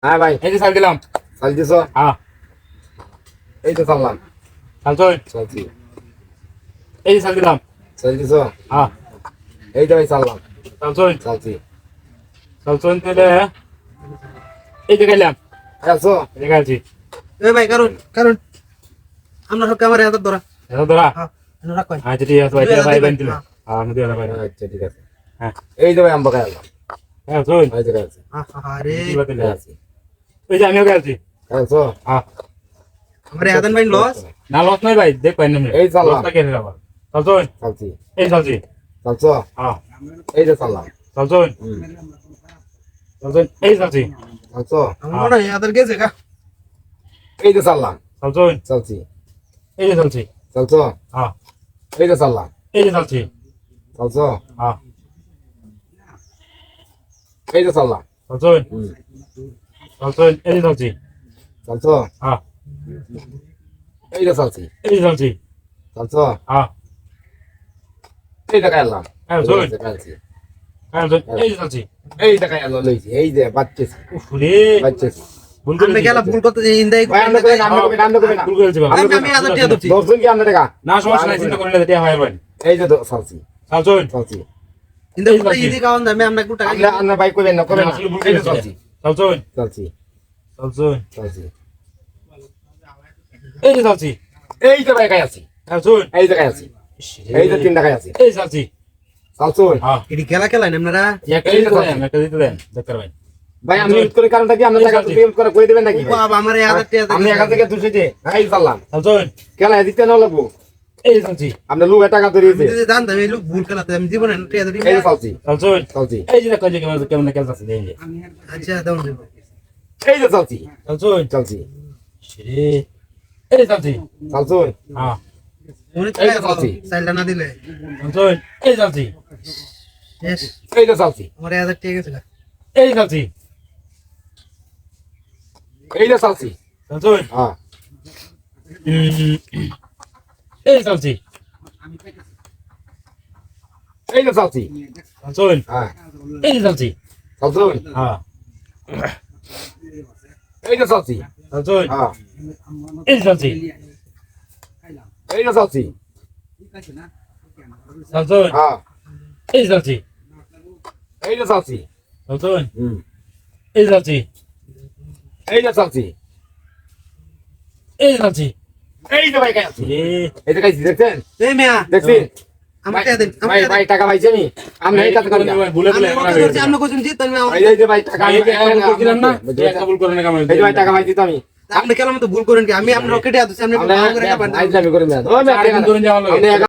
হ্যাঁ ভাই, এই যে চাল দিলাম। চাল দিছো? হ্যাঁ এই তো চাললাম। চালছই। চালছি। এই যে চাল দিলাম। চাল দিছো? হ্যাঁ এই তো ভাই চাললাম। চালছই। চালছি। চালছই তাহলে এই যে খাইলাম। খেলছো? এই যে খাইছি। এই ভাই কারণ কারণ আমরা সব ক্যামেরা হাতে ধরা। এটা ধরা। হ্যাঁ রাখ ভাই। আচ্ছা ঠিক আছে ভাই, এটা ভাই বান দিলাম। হ্যাঁ আমি দিলাম ভাই। আচ্ছা ঠিক আছে। হ্যাঁ এই তো ভাই আম্বা খাইলাম। হ্যাঁ চল। এই তো খাইছি। আরে কি বাতিল আছে? খাইছি। এই যে আমিও খাইছি। খেলছো? হ্যাঁ আমারে আদান ভাই লস। না লস নাই ভাই, দেখ পাই না। এই চাললাম। লসটা কেন আবার? চালছই। চালছি। এই চালছি। চালছো? হ্যাঁ এই তো চাললাম। চালছই। চালছই। এই চালছি। চালছো? আমার মনে হয় আদার গেছে কা। এই তো চাললাম। চালছই। চালছি। এই যে চালছি। চালছো? হ্যাঁ এই তো চাললাম। এই যে চালছি। চালছো? হ্যাঁ এই তো চাললাম। চালছই। চালছই। এই যে চালছি। চালছো? হ্যাঁ এই তো চালছি। এই যে চালছি। চালছো? হ্যাঁ এই তো খাইলাম। হ্যাঁ চল। খাইছি। হ্যাঁ চল। এই যে চালছি। এই তো খাইলাম লইছি। এই যে বাচ্চাছি। উফ রে, বাচ্চাছি। ভুল করে আমরা গেলা ভুল করতে ইন্দাই ভাই আমরা কই না, আমরা কই না, আমরা কই না। ভুল করেছি বাবা। আমি আদার টিয়া ধরছি। 10 জন কি আমরা টাকা? না সমস্যা নাই, চিন্তা করেন না, এটা হয় ভাই। এই যে তো চালছি। চালছই। চালছি। ইন্দাই করতে ইদি কাউন দামে আমরা একটু টাকা আমরা আমরা ভাই কইবেন না, কইবেন না। আসলে ভুল এই যে করেছি। চালছি। চালছই। চালছি। চালছই। চালছি। এই যে চালছি। এই যে ভাই খাই আছি। চালছই। এই যে খাই আছি। এই যে 3 টাকা আছি। এই চালছি। চালছো? হ্যাঁ এডি খেলা খেলাইন আপনারা। একটা দিতে দেন, একটা দিতে দেন, দেখতে ভাই। ভাই আমি ইউজ করে কারণটা কি, আমরা টাকা পেমেন্ট করে কই দিবেন নাকি? বাবা আমারে আদার টিয়া আমি এখান থেকে 200 দিয়ে এই চাললাম। চালছই। কেন দিতে না লাগবো? এই যে চালছি। আপনি লোক টাকা ধরিয়েছে। যদি জানতাম এই লোক ভুল খেলাতে আমি জীবনে টিয়া ধরি। এই যে চালছি। চালছই। চালছি। এই যে দেখো যে কেমন খেলতাছে এই যে। আচ্ছা দাও না। এই যে চালছি। চালছই। চালছি। রে, এই যে চালছি। চালছো? হ্যাঁ মনে এই যে চালছি। সাইলটা না দিলে চালছই। এই যে চালছি। শেষ। এই যে চালছি। আমারে আদার টিয়া গেছে কা। এই যে চালছি। এই যে চালছি। চালছই। হ্যাঁ। এই যে চালছি। এই যে চালছি। চালছই। হ্যাঁ। এই যে চালছি। চালছো? হ্যাঁ এই যে চালছি। চালছই। হ্যাঁ। এই যে চালছি। এই যে চালছি। চালছই। হ্যাঁ। এই যে চালছি। এই যে চালছি। চালছই। হুম। এই যে চালছি। এই যে চালছি। এই যে চালছি। এই যে ভাই খাই আছি। রে, এই যে খাইছি, দেখছেন? এই মিয়া দেখছেন? আমার টিয়া দেন। ভাই ভাই টাকা পাইছি আমি। আমি এই কাজ করি না। ভুলে ভুলে আমরা ধরছি আমরা কইছেন জি তুমি এই যে ভাই টাকা আমি একটা ভুল করছিলাম না, একটা ভুল করে না কামাই। এই যে ভাই টাকা পাইছি তো আমি। আপনি কেন মতো ভুল করেন কি আমি আপনার রকেটে আছি আপনি আমরা ভালো করে খাবার আইজ আমি করি না। ও চার দিন ধরে যাওয়া লাগে। আমি